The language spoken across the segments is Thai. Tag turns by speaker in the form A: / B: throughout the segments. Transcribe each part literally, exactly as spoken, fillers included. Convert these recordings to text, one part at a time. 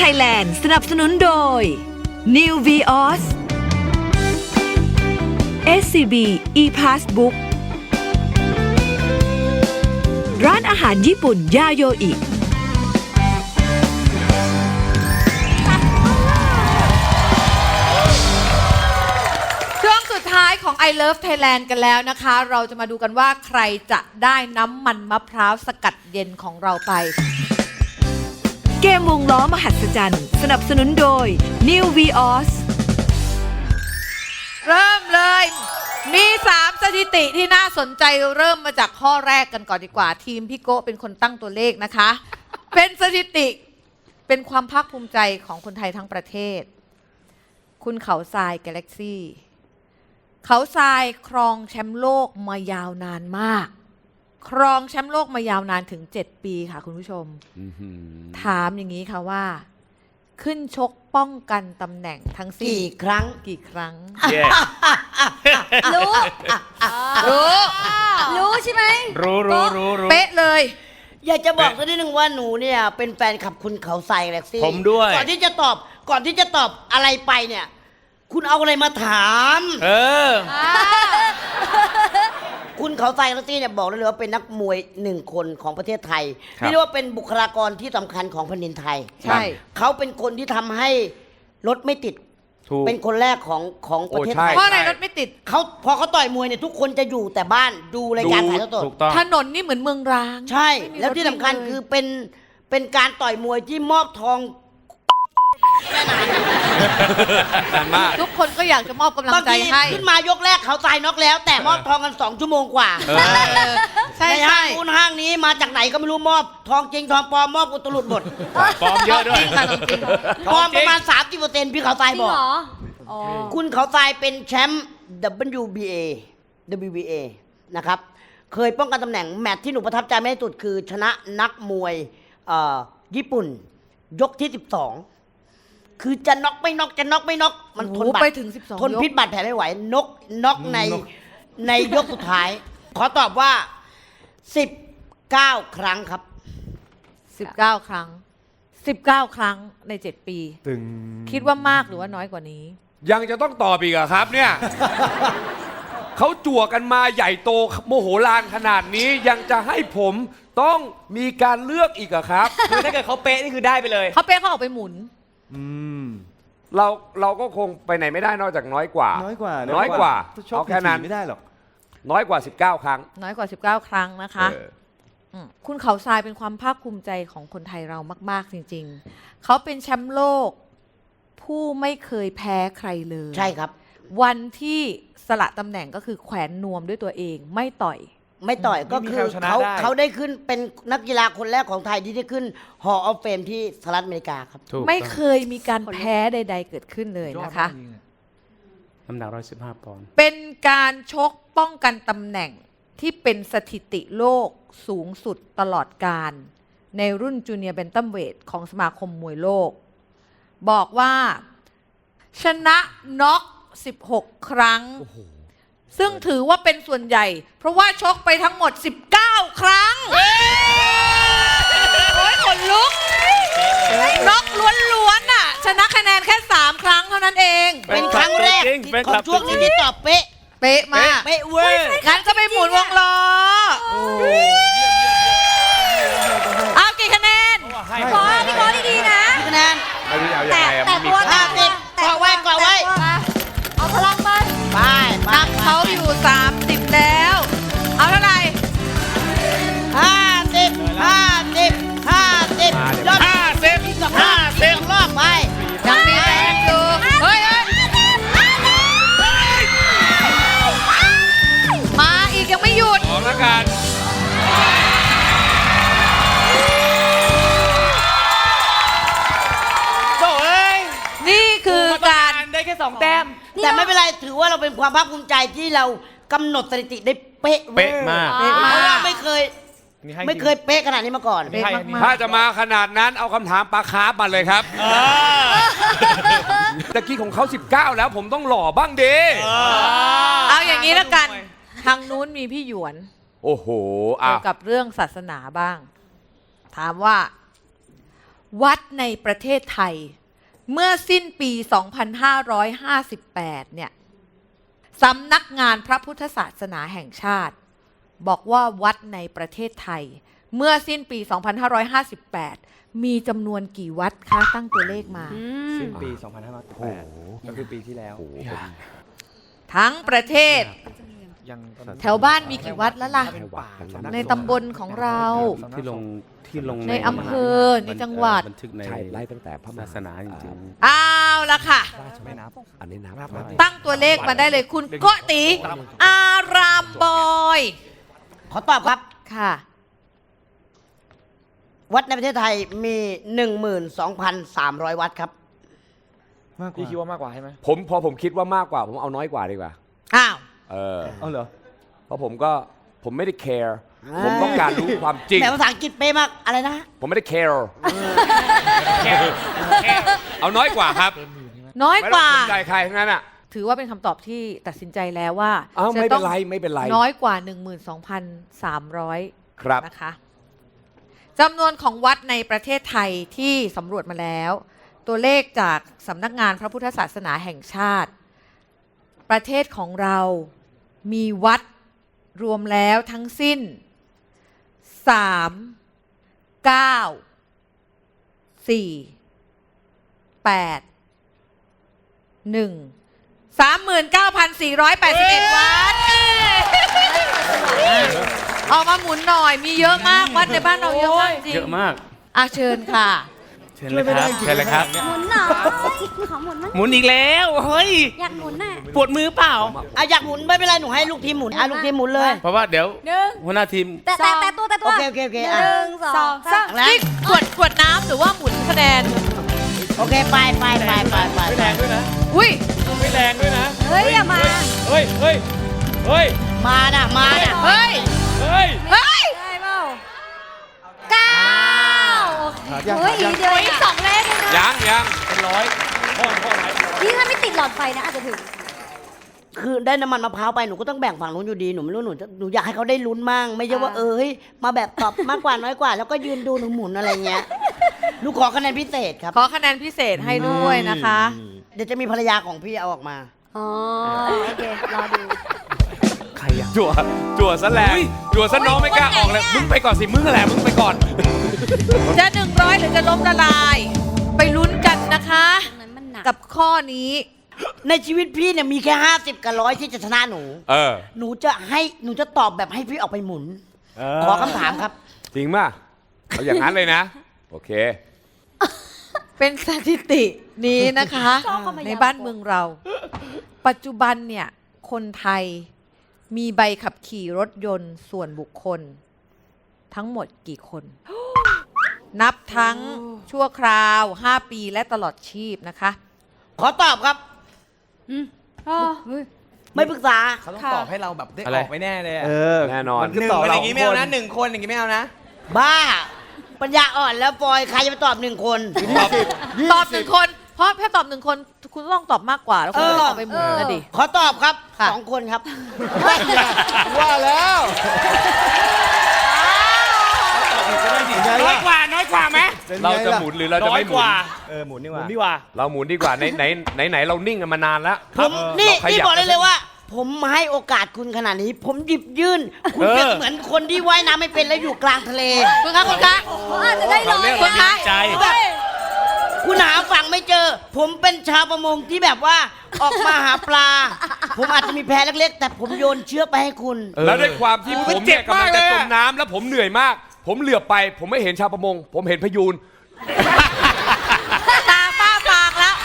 A: Thailand สนับสนุนโดย New Vios เอส ซี บี ePassbook ร้านอาหารญี่ปุ่นยาโยอิ
B: ช่วงสุดท้ายของ I Love Thailand กันแล้วนะคะ เราจะมาดูกันว่าใครจะได้น้ำมันมะพร้าวสกัดเย็นของเราไป
A: เกมวงล้อมหัศจรรย์สนับสนุนโดย New Vios
B: เริ่มเลย มีสามสถิติที่น่าสนใจเริ่มมาจากข้อแรกกันก่อนดีกว่า ทีมพี่โก้เป็นคนตั้งตัวเลขนะคะ เป็นสถิติเป็นความภาคภูมิใจของคนไทยทั้งประเทศ คุณเขาทรายกาแล็กซี่เขาทรายครองแชมป์โลกมายาวนานมากครองแชมป์โลกมายาวนานถึงเจ็ดปีค่ะคุณผู้ชมถามอย่างนี้ค่ะว่าขึ้นชกป้องกันตำแหน่งทั้งสิ้น
C: กี่ครั้ง
B: กี่ครั้ง
D: yeah.
E: รู้
B: รู้
E: รู้ใช่ไหม
D: รู้รู้รู้รู้
B: เป๊ะเลย
C: อยากจะบอกสักนิดนึงว่าหนูเนี่ยเป็นแฟนคลับคุณเขาใส่แล็กซี่
D: ผมด้วย
C: ก่อนที่จะตอบก่อนที่จะตอบอะไรไปเนี่ย คุณเอาอะไรมาถาม
D: เออ
C: คุณเขาใส่แล็กซี่เนี่ยบอกได้เลยว่าเป็นนักมวยหนึ่งคนของประเทศไทย
D: ครับ
C: เรียกว่าเป็นบุคลากรที่สำคัญของแผ่นดินไทย
B: ใช่
C: เขาเป็นคนที่ทำให้รถไม่ติด
D: ถูก
C: เป็นคนแรกของของประเทศ
D: โอ้ใช่
C: ไทย
B: เพราะอะไรรถไม่ติด
C: เขาพอเขาต่อยมวยเนี่ยทุกคนจะอยู่แต่บ้านดูรายการถ่ายทอดสด
D: ถูกต้อง
B: ถนนนี่เหมือนเมืองร้าง
C: ใช่
B: ไม่มี
C: แล้วที่สำคัญ
B: รถวิ่งเลย
C: คือเป็นเป็นการต่อยมวยที่มอบทอง
D: นานมาก
B: ทุกคนก็อยากจะมอบกำลัง
C: บาง
B: ใจ
C: ที
B: ให้
C: ขึ้นมายกแรกเขาตายน็อกแล้ว แต่มอบทองกันสองชั่วโมงกว่า
D: เออ
B: เออใช่
C: ใน
B: ใช่
C: ห้างนู้นห้างนี้มาจากไหนก็ไม่รู้มอบทองจริงทองปลอมมอบอุตลุดหมด
D: ปลอมเยอะด้วย
B: จริงค่ะจริง
C: ปลอมประมาณ สามสิบเปอร์เซ็นต์ พี่เขาตาย
E: จริง
C: บอก
E: เหรออ๋อ
C: คุณเขาตายเป็นแชมป์ ดับเบิลยู บี เอ ดับเบิลยู บี เอ นะครับ เคยป้องกันตำแหน่งแมตช์ที่หนูประทับใจมากที่สุดคือชนะนักมวยเอ่อญี่ปุ่น ยกที่สิบสองคือจะน็อกไม่น็อกจะน็อกไม่น็อกมันทน
B: โอ้โห
C: บาด
B: ไปถึงสิบสอง
C: ทน
B: ยก
C: พิษบาดแผลไม่ไหวนกน็อกในในยกสุดท้าย ขอตอบว่าสิบเก้าครั้งครับ
B: สิบเก้าครั้งสิบเก้าครั้งในเจ็ดปี
D: ตึง
B: คิดว่ามากหรือว่าน้อยกว่านี้
D: ยังจะต้องตอบอีกเหรอะครับเนี่ย เขาจั่วกันมาใหญ่โตโมโหลานขนาดนี้ยังจะให้ผมต้องมีการเลือกอีกเหรอะครับ
F: คือถ้าเกิดเขาเป๊ะนี่คือได้ไปเลย
B: เขาเป๊ะเขาออกไปหมุน
D: อืมเราเราก็คงไปไหนไม่ได้นอกจากน้อยกว่า
F: น้อยกว่า
D: น้อยกว่า
F: ชก
D: เอาแค่นั้น
F: ไม่ได้หรอก
D: น้อยกว่าสิบเก้าครั้ง
B: น้อยกว่าสิบเก้าครั้งนะคะ
D: เออ
B: มคุณเขาทรายเป็นความภาคภูมิใจของคนไทยเรามาก ๆ จริง ๆ เขาเป็นแชมป์โลก ผู้ไม่เคยแพ้ใครเลย
C: ใช่ครับ
B: วันที่สละตำแหน่งก็คือแขวนนวมด้วยตัวเองไม่ต่อย
C: ไม่ต่อยก็
F: ไม่มี
C: คื
F: ใคร
C: อ
F: เอาชนะ
C: เขา
F: ได้
C: เขาได้ขึ้นเป็นนักกีฬาคนแรกของไทยที่ได้ขึ้น Hall of Fame ที่สหรัฐอเมริกาครับ
D: ถูก
B: ไม่เคยมีการแพ้ใด ๆ เกิดขึ้นเลยนะคะ
D: น้ำหนักร้อยสิบห้าปอนด์
B: เป็นการชกป้องกันตำแหน่งที่เป็นสถิติโลกสูงสุดตลอดการ ในรุ่นจูเนียร์เบนตัมเวทของสมาคมมวยโลก บอกว่าชนะน็อกสิบหกครั้ง ซึ่งถือว่าเป็นส่วนใหญ่ เพราะว่าชกไปทั้งหมดสิบเก้าครั้ง โอ้ยขนลุกน็อกล้วนๆน่ะ ชนะคะแนนแค่สามครั้งเท่านั้นเอง
C: เป็นครั้งแรก
D: จริง
C: ที่
D: เป็น
C: ข
D: ค
C: อ
D: รั
C: ง
D: บ
C: ช่วงนี้ที่ตอบเป๊ะ
B: เป๊ะมาก
C: เป๊ะเวอร์
B: งั้นก็ไปหมุนวงล้อเอากี่คะแนน
E: ขอพี่ขอดีๆนะ
C: คะแนน
D: ไม่รู้จะเอายัง
E: แต่
D: ไงอะ
E: แต่
D: มันมี
E: ตัว
C: ห้าสิบ
E: แต่
C: เกาะไว้เกาะไว้
E: เอาพลังมา
C: ไปไป
B: นำเขาอยู่สามสิบแล้ว เอาเท่าไหร่
C: ห้าสิบห้าสิบห้าสิบยอด
D: ห้าสิบ
C: อีกสองร
D: ห้า
C: อบ
D: สิ
C: อี
D: บ
C: กสองรอบไป
B: ยังมีแรงอยู่ เฮ้ยเฮ้ยมาอีกยังไม่หยุด
D: ออกแล้วกัน
F: โถ่เอ้ย
B: นี่คือการ
F: ได้แค่สองแต้ม
C: แต่ไม่เป็นไรถือว่าเราเป็นความภาคภูมิใจที่เรากำหนดสถิติได้เป๊ะวอร์
D: เป๊ะมาก
B: เป๊ะ
C: เพ
B: มาก
C: ราะว่าไม่เคย
F: นี่ให้
C: ไม่เคยเป๊ะขนาดนี้มาก่อน
F: ไม่ให้
B: เป๊ะมาก
D: ถ้าจะมาขนาดนั้นเอาคำถามปลาคาร์ฟมาเลยครับตะกี้ของเขาสิบเก้าแล้วผมต้องหล่อบ้างดี
B: เอาอย่างนี้แล้วกัน ทางนู้นมีพี่หยวน
D: โอ้โห
B: เกี่
D: อ่ะ
B: ยวกับเรื่องศาสนาบ้าง ถามว่าวัดในประเทศไทย เมื่อสิ้นปี สองพันห้าร้อยห้าสิบแปด เนี่ยสำนักงานพระพุทธศาสนาแห่งชาติ บอกว่าวัดในประเทศไทย เมื่อสิ้นปี สองพันห้าร้อยห้าสิบแปด มีจำนวนกี่วัดคะตั้งตัวเลขมา
F: สิ้นปี สองพันห้าร้อยแปดก็คือปีที่แล้ว
B: ทั้งประเทศ
F: ยังตอนนั้น
B: แถวบ้านมีกี่วัดแล้วล่ะ
F: ถ้าเป็นป่าสำก
B: ในตำบลของเรา
G: ที่ลงที่ลง
B: ในอำเภอในจังหวัด
G: บันทึกใน
D: ใช่ไล่ตั้งแต่พระมหา
G: ศาสนาจริง
B: เอาละค่ะ
F: ไม่นับ
D: อันนี้นับ
F: นับนับ
B: ตั้งตัวเลขมาได้เลยคุณโกติ อารามบอย
C: ขอตอบครับ
B: ค่ะ
C: วัดในประเทศไทยมี หนึ่งหมื่นสองพันสามร้อย วัดครับ
F: มากกว่าพี่คิดว่ามากกว่าใช่ไหม
D: ผมพอผมคิดว่ามากกว่า ผมเอาน้อยกว่าดีกว่า
B: อ้าว
D: เออ
F: เอาเหรอ
D: เพราะผมก็ผมไม่ได้ care
C: อ่า
D: ผมต้องการรู้ความจริง
C: แต่ภาษาอังกฤษเป๊ะมากอะไรนะ
D: ผมไม่ได้ care เอาน้อยกว่าครับ
B: น้อย
D: ไม่
B: ก
D: ต้อง
B: ว่า
D: สนใจใครทั้งนั้นอ่ะ
B: ถือว่าเป็นคำตอบที่ตัดสินใจแล้วว่า
D: อ้าว
B: จะ
D: ไม่
B: ต้
D: เป็
B: อน ง
D: ไรไม่เป็นไร
B: น้อยกว่า หนึ่งหมื่นสองพันสามร้อย
D: ครับ
B: นะคะจำนวนของวัดในประเทศไทยที่สำรวจมาแล้ว ตัวเลขจากสำนักงานพระพุทธศาสนาแห่งชาติ ประเทศของเรามีวัดรวมแล้วทั้งสิ้น สาม เก้า สี่ แปด หนึ่ง สามหมื่นเก้าพันสี่ร้อยแปดสิบเอ็ด วัด ออกมาหมุนหน่อย มีเยอะมาก วัดในบ้านเราเยอะมากจริง
G: ๆ เยอะมาก
B: อ่ะเชิญค่ะ
G: เชิญเลยครับเชิญเลยครับ
E: หมุนหน่อยขอหมุนมั้ย
G: หมุนอีกแล้ว เฮ้ย
E: อยากหมุนน่ะ
G: ปวดมือเปล่า
C: อ่ะอยากหมุนไม่เป็นไรหนูให้ลูกทีมหมุนอ่ะลูกทีมหมุนเลย
G: เพราะว่าเดี๋ยว
E: หนึ่ง
G: หัวหน้าทีม
E: แต่แต่แต่ตัวแต่ตัว
C: โอเคโอเคโอเค
E: ห
C: อ่ะ
E: นึ่งสองสาม
C: แล้ว
B: นี่ขวดขวดน้ำหรือว่าหมุนคะแนน
C: โอเคไปไปไปไปไป
F: ไม่แรงด้วยนะ
B: อุ้ย
F: ไม่แรงด้วยนะ
E: เฮ้ยอย่ามา
F: เฮ้ย เฮ้ย เฮ้ย
C: มาน่ะมาน่ะ
B: เฮ้ย
F: เฮ้ย
B: เฮ้ย
E: ได้เปล่าเก้าโอเคเฮ้ยอีกเดียวอีกสองเลขเองนะ
D: ยังยัง
F: เป็นร้อยห้องห้องไหน
E: นี่ถ้าไม่ติดหลอดไฟนะอาจจะถึง
C: คือได้น้ำมันมะพร้าวไปหนูก็ต้องแบ่งฝั่งนู้นอยู่ดีหนูไม่รู้หนูจะหนูอยากให้เขาได้ลุ้นมั่งไม่ใช่ว่าเออเฮ้ยมาแบบตอบมากกว่าน้อยกว่า แล้วก็ยืนดูหนูหมุนอะไรเงี้ยหนูขอคะแนนพิเศษครับ
B: ขอคะแนนพิเศษให้ด้วยนะคะ
C: เดี๋ยวจะมีภรรยาของพี่เอาออกมา
E: อ๋อ โอเค รอดู
G: ใครอ่ะ
D: จั่วจั่วซะแรงจั่วซะน้องไม่กล้าออกเลย มึงไปก่อนสิ มึงแหละมึงไปก่อน
B: จะหนึ่งร้อยหรือจะล้มละลาย ไปลุ้นกันนะคะ
E: ตรงนั้นมันหนัก
B: กับข้อนี้
C: ในชีวิตพี่เนี่ยมีแค่ห้าสิบกับร้อยที่จะชนะหนู
D: เออ
C: หนูจะให้หนูจะตอบแบบให้พี่ออกไปหมุน ขอคำถามครับ
D: จริงป่ะเอาอย่างนั้นเลยนะ โอเค
B: เป็นสถิตินี้นะคะ
E: ชอบเข้ามา
B: ในบ้านเมืองเรา ปัจจุบันเนี่ย คนไทยมีใบขับขี่รถยนต์ส่วนบุคคล ทั้งหมดกี่คน นับทั้งชั่วคราว ห้า ปีและตลอดชีพนะคะ
C: ขอตอบครับ
E: อ๋อเฮ้ย
C: ไม่ปรึกษา
F: เขาต้อง
B: ค่ะ
F: ตอบให้เราแบบได้
G: อะ
F: อ
G: ไร
F: อกไม่แน่เลยอะ
G: เออ
D: แน่นอน
G: มัน
F: ห
G: คือ
F: นึ่ง
G: ต่อ
F: คนอ
G: เรา
F: ย่างงี้ไม่เอานะ
G: คน
F: หนึ่งคนอย่างงี้ไม่เอานะ
C: บ้า ปัญญาอ่อนแล้วปอยใครจะไปตอบหนึ่งคน
B: ตอบตอบหนึ่งคน เพราะถ้าตอบหนึ่งคน คุณต้องตอบมากกว่า แล้วคุณ
C: เออ
B: ต้องตอบไปหมุนนะดิ
C: ขอตอบครับ
B: ค่ะ
C: สองคนครับ
F: ว่าแล้ว
G: น้อยกว่า น้อยกว่าไหม
D: เราจะหมุนหรือเราจะไม่หมุน
F: เออหมุนดีกว่าหมุนดีกว่า
D: เราหมุนดีกว่าไหนไหนไหนไหนเรานิ่งกันมานานแล้ว
C: ผมนี่
D: เราขยับ
C: นี่บอกเลยเลยว่า ผมให้โอกาสคุณขนาดนี้ ผมหยิบยื่น คุณ
G: เออ
C: เป็นเหมือนคนที่ว่ายน้ำไม่เป็นแล้วอยู่กลางทะเล
B: คุณคะคุณคะ
E: เขาอาจจะได้ร้อย
B: คุณคะ
G: ใจ
C: คุณหาฝั่งไม่เจอ ผมเป็นชาวประมงที่แบบว่าออกมาหาปลา ผมอาจจะมีแพเล็กๆ แต่ผมโยนเชือกไปให้คุณ
D: แล้วด้วยความที่
G: โอ้
D: ผ
G: ย
D: ม
G: เจ็
D: เนี่ย
G: บ
D: กำลัง
G: มาก
D: จะ
G: เลย
D: จ
G: อะ
D: มน้ำแล้วผมเหนื่อยมาก ผมเหลือบไป ผมไม่เห็นชาวประมง ผมเห็นพยูน
B: ตาป้าฟางแล้ว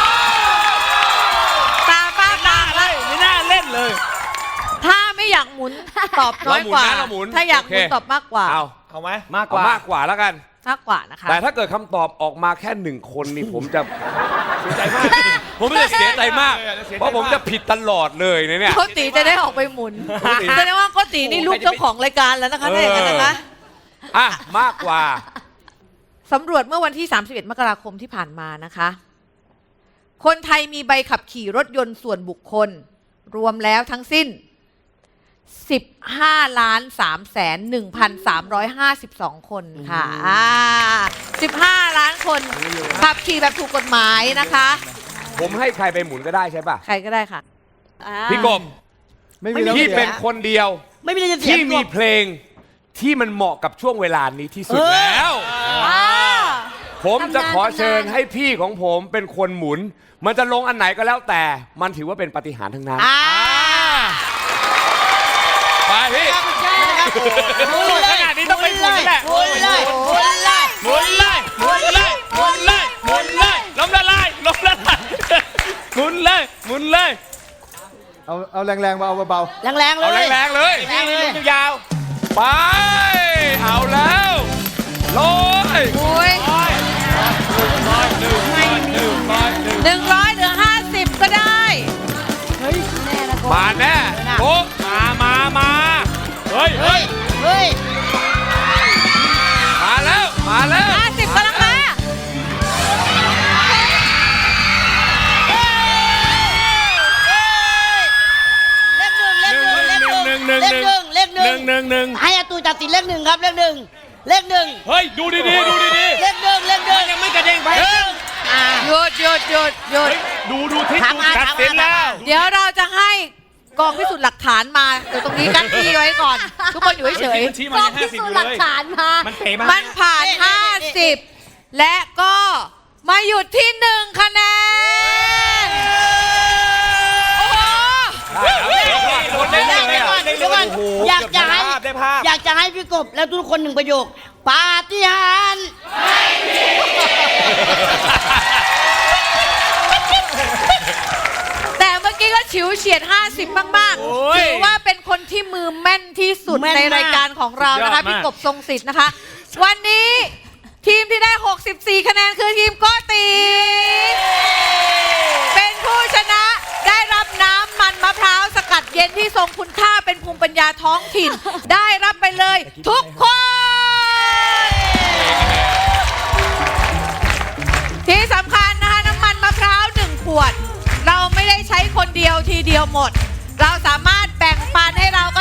B: ตาป้าฟางแล้ว
G: ไม่น่าเล่นเลย
B: ถ้าไม่อยากหมุน ตอบน้อยกว่า
D: เราหมุนนะเราหมุน
B: ถ้าอยากหมุน
D: โอเค
B: ตอบมากกว่า
D: เอา
F: เอาไหม
G: มากก
D: เอา
G: ว่า
D: มากกว่าแล้วกัน
B: มากกว่านะคะ
D: แต่ถ้าเกิดคำตอบออกมาแค่หนึ่งคนนี่ผมจะเสียใจมาก ผมจะเสียใจมาก เพราะผมจะผิดตลอดเลยนะเนี่ย
B: โกติจะได้ออกไปหมุน
D: โกติ
B: แสดงว่าโกตินี่ลูกเจ้าของรายการแล้วนะคะถ้าอย่างนั้นนะคะ
D: อ่ะมากกว่า
B: สำรวจเมื่อวันที่ สามสิบเอ็ด มกราคมที่ผ่านมานะคะ คนไทยมีใบขับขี่รถยนต์ส่วนบุคคล รวมแล้วทั้งสิ้น สิบห้าล้านสามแสนหนึ่งพันสามร้อยห้าสิบสอง คนค่ะอ่าสิบห้า ล้านคนขับขี่แบบถูกกฎหมายนะคะ
D: ผมให้ใครไปหมุนก็ได้ใช่ป่ะ
B: ใครก็ได้ค่ะ
D: พี่กบ
F: ไม่มีแล้ว
D: พี่
F: เสีย
D: เป็นคนเดียว
C: ไม่มีอะไรจะเสีย
D: ที่มี
C: พี่กบ
D: เพลงที่มันเหมาะกับช่วงเวลานี้ที่สุด
C: เออ
D: แล้ว
E: อ่า
D: ผมจะขอ
E: ตำนาน
D: เชิญให้พี่ของผมเป็นคนหมุน มันจะลงอันไหนก็แล้วแต่ มันถือว่าเป็นปาฏิหาริย์ทั้งนั้น
C: อ่า
D: ไปพี่
C: หมุนเลย
G: ขนาดนี้ต้องไปหมุนแหละ
C: หมุนเลยหมุนเลย
G: หมุนเลยหมุนเลยหมุนเลยหมุนเลยล้มละลายล้มละลายหมุนเลยหมุนเลย
F: เอาเอาแรงๆมาเอาเบา
C: แรงๆเล
D: เอา
C: ย
D: แรงๆเลย
C: แรงเลย
G: ยาว
D: ไป เอาแล้วลอย
B: โอ้ย
D: หนึ่งร้อยหนึ่งร้อยหนึ่ง
B: หนึ่งร้อยเหลือห้าสิบก็ได้
D: มาแน่โอ้
G: มามามาเฮ้ยเฮ้ย
C: เฮ้ย
D: มาแล้ว มาแล้ว
B: ห้าสิบกำลังมา
C: เลขหนึ่งเลขหนึ่งเลขหนึ่งเลขหนึ่งเลขหนึ่ง
G: หนึ่งหนึ่งหนึ่ง
C: ให้อาตูตัดสินเลขหนึ่งครับเลขหนึ่งเลขหนึ่ง
G: เฮ้ยดูดีๆดูดี
C: เลขหนึ่งเลขหนึ่ง
G: ๆยังไม่กระเด้งไป
C: เลขหนึ่งอ่า
B: หยุดหยุดหยุดหยุด
G: เฮ้ยดูดูทิศ
C: ถาม
G: ดู
C: มา
G: ตัด
C: ถาม
G: สิน
C: มา
G: แล้ว
B: เดี๋ยวเราจะให้กองพิสูจน์หลักฐานมาเดี๋ยวตรงนี้กั้นที่ไว้ก่อน ทุกคนอยู่เฉย
G: ชี้
E: ก
G: มา
E: ล้อง
G: ยังห้า
E: พิ
G: สิบ
E: สู
G: อ
E: จ
G: ยู่
E: น์หลั
G: เล
E: ก
G: ย
E: ฐานมา
G: มันเป๋มา
B: ๆมันผ่าน ห้าสิบ และก็มาหยุดที่หนึ่งคะแนน โอ้โห
D: คนเล่น
C: เดี๋ยว
D: เลย
C: ก่อนเดี๋ยวก่อนอยากจะให้
G: ได้ภาพ
C: อยากจะให้พี่กบแล้วทุกคนหนึ่งประโยคปาฏิหาริย์
B: แต่เมื่อกี้ก็ฉิวเฉียด ห้าสิบ มาก
G: โอ้ย
B: ๆ ถือว่าเป็นคนที่มือแม่นที่สุดในรายการของเรานะคะ
G: สุดยอดมาก
B: พี่กบทรงสิทธิ์นะคะ วันนี้ทีมที่ได้ หกสิบสี่ คะแนนคือทีมโกตี เป็นผู้ชนะได้รับน้ำมันมะพร้าวสกัดเย็นที่ทรงคุณค่าเป็นภูมิปัญญาท้องถิ่น ได้รับไปเลยทุกคน ที่สำคัญนะคะน้ำมันมะพร้าวหนึ่งขวด เราไม่ได้ใช้คนเดียวทีเดียวหมด เราสามารถแบ่งปันให้เรา